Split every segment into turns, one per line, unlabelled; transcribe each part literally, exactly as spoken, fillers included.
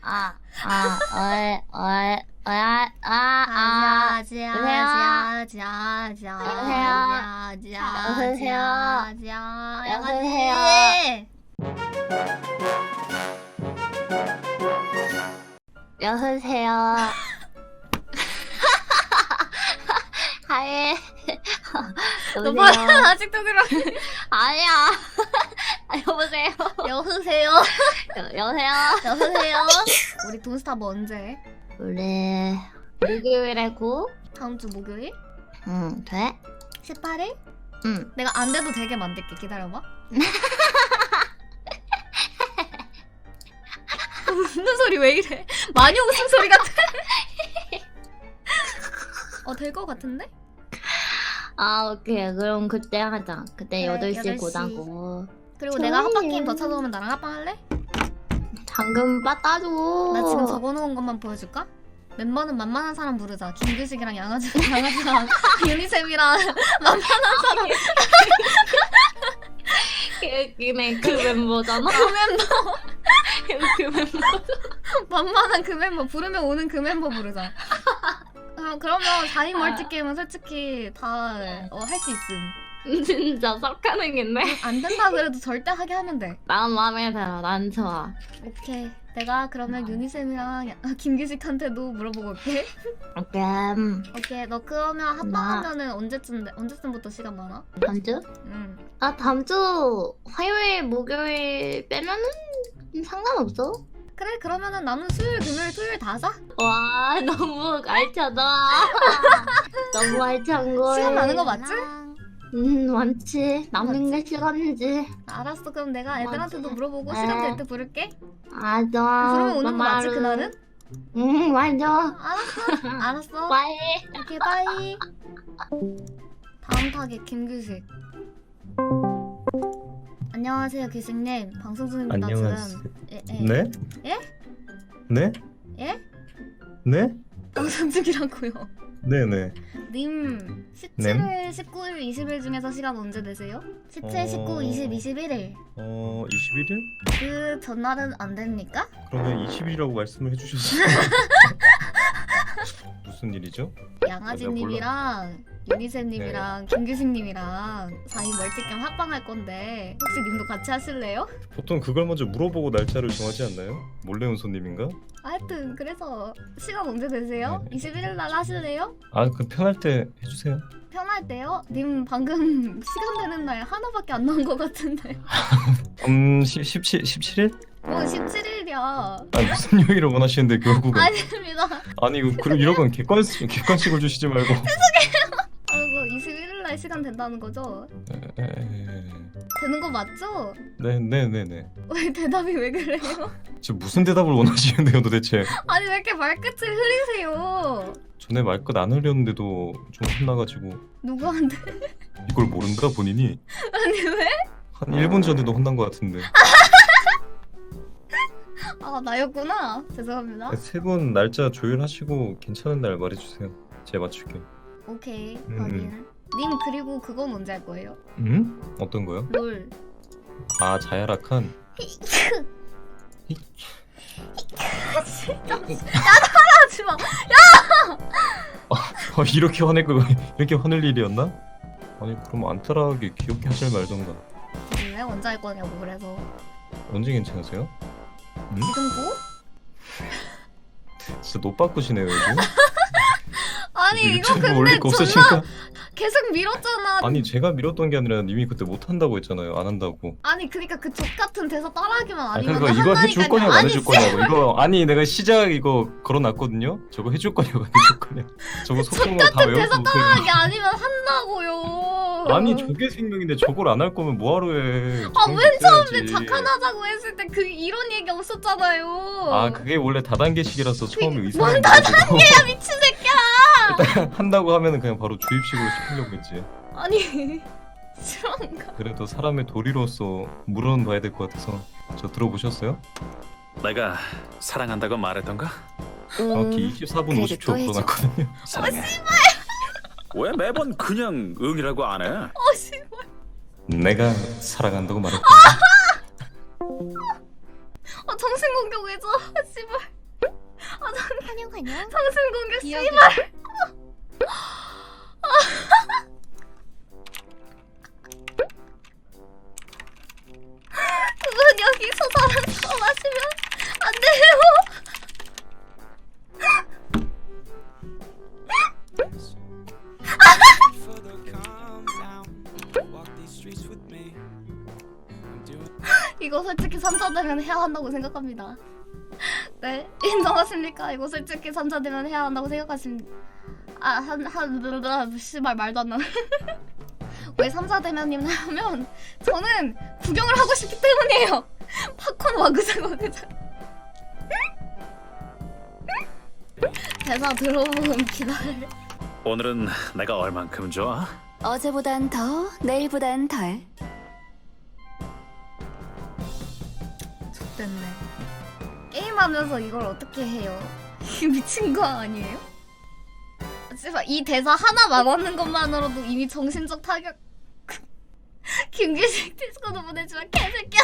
아, 아, 어이, 어이, 어이, 아, 아,
아지야,
여보세요?
아지야, 아지야,
여보세요?
아지야,
여보세요?
아지야,
여보세요? 여보세요? 하이.
너 봐,
여보세요?
아직도 그러.
아니야. 아, 여보세요?
여보세요,
여, 여보세요?
여보세요. 우리 돈스타 뭐 언제?
우리 목요일에 고?
다음 주 목요일?
응, 돼?
십팔 일?
응.
내가 안 돼도 되게 만들게. 기다려봐. 웃는 소리 왜 이래? 많이 웃음 소리 같아. 어, 될 것 같은데?
아, 오케이. 그럼 그때 하자. 그때
그래,
여덟 시에
여덟 시.
고다고.
그리고
좋아요.
내가 합방 게임 더 찾아오면 나랑 합방할래?
당근 빠따줘.
나 지금 적어놓은 것만 보여줄까? 멤버는 만만한 사람 부르자. 김규식이랑 양아지, 양아지랑 유니셈이랑 만만한 사람.
그네 그 멤버잖아.
그 멤버.
그 멤버.
만만한 그 멤버. 부르면 오는 그 멤버 부르자. 어, 그러면 사 인 멀티게임은 솔직히 다 어, 할 수 있음.
진짜 썩하는겠네.
안 된다 그래도 절대 하게 하면 돼.
난 마음에 들어. 난 좋아.
오케이. 내가 그러면 유니셈이랑 야- 김규식한테도 물어보고 올게.
오케이.
오케이. 너 그러면 합방하면은 언제쯤 언제쯤부터 시간 많아?
다음 주?
응.
아, 다음 주 화요일, 목요일 빼면은 상관없어.
그래 그러면은 나는 수요일, 금요일, 토요일 다 자.
와, 너무 알차다. 너무 알찬 거.
시간 많은 거 맞지?
음, 많지. 남는 게 시간이지.
알았어. 그럼 내가 애들한테도
맞지?
물어보고
네.
시간 될 때 부를게.
맞아.
그러면 오는 거 맞지 그날은?
응, 맞아.
알았어. 알았어.
빠이.
오케이 바이. 다음 타겟 김규식. 안녕하세요 규식님. 방송 중입니다
안녕하세요.
지금. 예, 예.
네?
예?
네?
예?
네?
방송 중이라고요.
네네.
님 십칠 일, 십구 일, 이십 일 중에서 시간 언제 되세요? 십칠, 십구, 이십, 이십일 일.
어... 이십일 일?
그 전날은 안 됩니까?
그러면 이십 일이라고 말씀을 해주셨어요. 무슨 일이죠?
양아지님이랑 유니쌤님이랑 김규식님이랑 사 인 멀티캠 합방할 건데 혹시 님도 같이 하실래요?
보통 그걸 먼저 물어보고 날짜를 정하지 않나요? 몰래 온 손님인가?
하여튼 그래서 시간 언제 되세요?
네.
이십일 일 날 하실래요?
아, 그 편할 때 해주세요.
편할 때요? 님 방금 시간 되는 날 하나밖에 안 나온 것 같은데.
음... 시, 십칠, 십칠 일?
뭐 십칠 일이야.
아니 무슨 요일을 원하시는데 결국은
아닙니다.
아니 이거 그럼 이런 건 객관식, 객관식을 주시지 말고
아이고 이십일 일 날 시간 된다는 거죠?
에, 에, 에.
되는 거 맞죠?
네, 네, 네, 네.
왜 대답이 왜 그래요?
지금 무슨 대답을 원하시는데요 도대체?
아니 왜 이렇게 말끝을 흐리세요?
전에 말끝 안 흘렸는데도 좀 혼나가지고
누구한테?
이걸 모른다 본인이?
아니 왜?
한 일 분 전에도 혼난 것 같은데.
아 나였구나. 죄송합니다.
세 분 날짜 조율하시고 괜찮은 날 말해주세요. 제가 맞출게.
오케이
음,
확인. 님 그리고 그건 언제 할 거예요?
음? 어떤 거요?
롤.
아 자야락한.
하지 마.
어, 이렇게 화낼 거 이렇게 화낼 일이었나? 아니 그럼 안타라하게 귀엽게 하실 말던가.
왜 언제 할 거냐고 그래서.
언제 괜찮으세요? 음?
지금 고?
진짜 노 바꾸시네요 요즘.
아니 이거
유튜브
근데
올릴 거
존나
없으시니까.
계속 밀었잖아.
아니 제가 밀었던 게 아니라 님이 그때 못 한다고 했잖아요. 안 한다고.
아니 그니까 그 족 같은 대사 따라하기만
아
아니면
그러니까 이거 해줄 거냐고 안
아니,
해줄 거냐고. 이거 아니 내가 시작 이거 걸어놨거든요. 저거 해줄 거냐고 안 해줄 거냐. 저거 속도로 다
대사
외워서
따라하기 아니면 한다고요.
아니 저게 생명인데 저걸 안 할 거면 뭐하러 해.
아
저건
맨 처음에
있어야지.
착한하자고 했을 때 그 이런 얘기 없었잖아요.
아 그게 원래 다단계식이라서 처음에
뭔
의사를
다단계야 미친 새끼야.
일단 한다고 하면은 그냥 바로 주입식으로 시키려고 했지.
아니 싫어한가?
그래도 사람의 도리로서 물어는 봐야 될 것 같아서. 저 들어보셨어요?
내가 사랑한다고 말했던가?
정확히 이십사 분
그래도
오십 초
또 해줘.
걸어놨거든요.
사랑해. 왜 매번 그냥 응이라고 안 해?
어 씨발.
내가 사랑한다고 말했다.
아 정신 공격 왜죠? 씨발.
안녕.
상승 공격
기억이-
씨발. 그건 여기서 사람 마시면 안 돼요. 이거 솔직히 삼자되면 해야 한다고 생각합니다. 네, 인정하십니까? 이거 솔직히 삼자되면 해야 한다고 생각하십니까? 아, 한, 한, 씨발 말도 안 나네. 왜 삼자대면님 하면 저는 구경을 하고 싶기 때문이에요. 팝콘 와그작 와그작. 대사 들어보면 기다려.
오늘은 내가 얼만큼 좋아?
어제보단 더, 내일보단 덜.
됐네. 게임하면서 이걸 어떻게 해요? 미친 거 아니에요? 씨발 이 대사 하나 말하는 것만으로도 이미 정신적 타격. 김규식 디스코드 보내지마 개새끼야.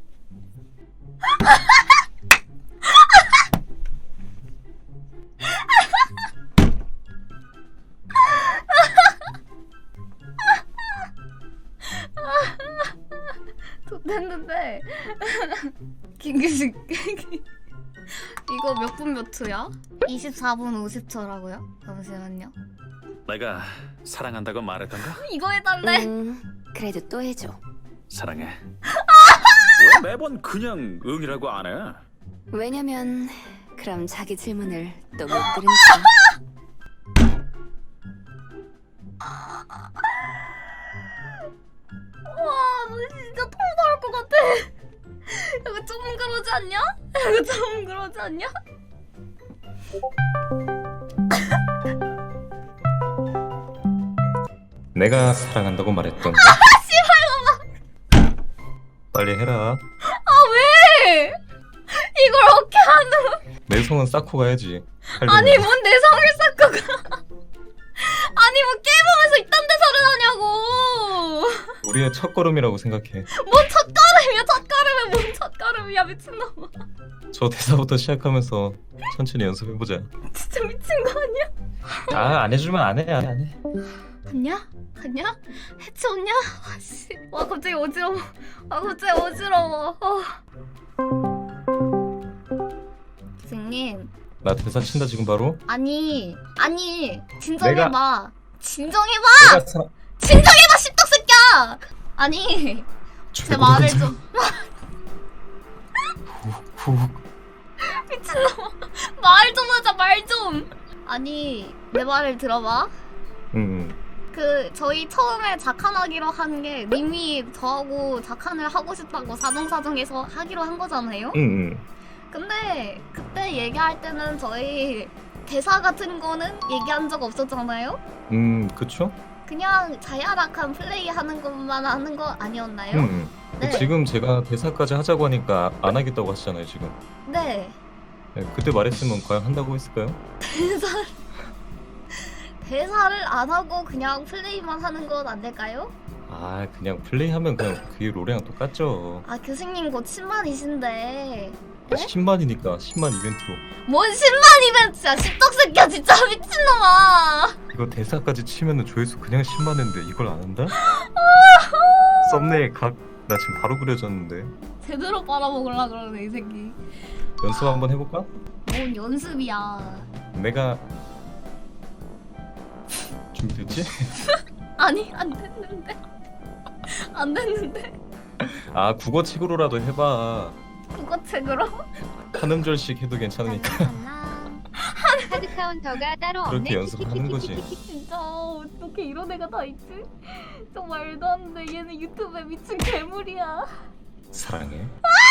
됐는데 김규식 이거 몇 분 몇 초야? 이십사 분 오십 초라고요? 잠시만요.
내가 사랑한다고 말했던가?
이거 해달래.
음, 그래도 또 해줘.
사랑해. 왜 매번 그냥 응이라고 안 해?
왜냐면 그럼 자기 질문을 또 못 들으니까.
와, 너 진짜 토 나올 것 같아. 이거 좀 그러지 않냐? 이거 좀 그러지 않냐?
내가 사랑한다고 말했던. 빨리 해라.
아 왜? 이걸 어떻게 하는?
내 성은 쌓고 가야지. 할
아니
일은.
뭔 내 성을 쌓고 가? 아니 뭐 게임하면서 이딴 데서를 하냐고.
우리의 첫 걸음이라고 생각해.
뭔 첫걸음이야 첫걸음에 뭔 첫걸음이야 미친놈아.
저 대사부터 시작하면서 천천히 연습해보자.
진짜 미친 거 아니야?
아, 안 해주면 안 해, 안 해, 안 해.
갔냐? 갔냐? 해치웠냐? 아씨. 와 갑자기 어지러워. 아 갑자기 어지러워. 어. 선생님.
나 대사 친다 지금 바로.
아니 아니 진정해봐.
내가-
진정해봐.
내가 사랑.
진정해봐 십덕새끼야. 아니 제 말을 좀.
후.
미친놈아. 말 좀 하자 말 좀. 아니 내 말을 들어봐.
응.
그 저희 처음에 작한하기로 한 게 님이 저하고 작한을 하고 싶다고 사정사정해서 하기로 한 거잖아요.
응, 응.
근데 그때 얘기할 때는 저희 대사 같은 거는 얘기한 적 없었잖아요.
음, 그쵸?
그냥 자야락한 플레이 하는 것만 하는 거 아니었나요?
응, 응.
네.
지금 제가 대사까지 하자고 하니까 안 하겠다고 하시잖아요, 지금.
네.
네, 그때 말했으면 과연 한다고 했을까요?
대사 대사를 안 하고 그냥 플레이만 하는 건 안 될까요?
아, 그냥 플레이하면 그냥 그게 롤이랑 똑같죠.
아 교수님 곧 십만이신데
십만이니까 십만 이벤트로.
뭔 십만 이벤트야 십덕새끼야 진짜 미친놈아.
이거 대사까지 치면은 조회수 그냥 십만인데 이걸 안 한다? 썸네일 각, 나 지금 바로 그려졌는데.
제대로 빨아먹으려 그러네 이 새끼.
연습 한번 해볼까?
뭔 연습이야.
내가 준비됐지?
아니 안 됐는데 안 됐는데
아, 국어책으로라도 해봐.
국어책으로.
한 음절씩 해도 괜찮으니까.
카드 카운터가 따로 없네.
그렇게 연습을 하는 거지.
진짜 어떻게 이런 애가 다 있지? 좀 말도 안 돼. 얘는 유튜브에 미친 괴물이야.
사랑해.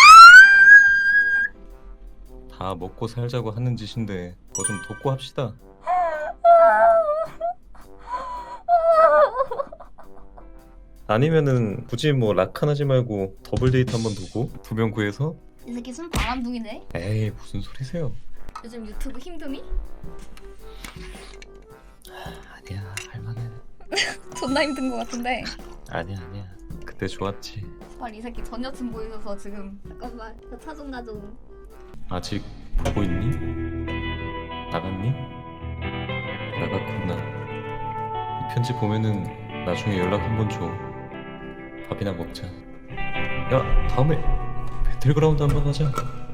다 먹고 살자고 하는 짓인데 뭐 좀 돕고 합시다. 아니면은 굳이 뭐 락한 하지 말고 더블 데이트 한번 두고 두 명 구해서.
이 새끼 순 바람둥이네.
에이, 무슨 소리세요?
요즘 유튜브 힘드니?
아니야, 할만해.
존나 힘든 것 같은데.
아니야, 아니야. 그때 좋았지.
정말 이 새끼 전 여친 보이셔서 지금 잠깐만 차 좀 가져.
아직 보고 있니? 나갔니? 나갔구나. 이 편지 보면은 나중에 연락 한번 줘. 밥이나 먹자. 야, 다음에 배틀그라운드 한번 하자.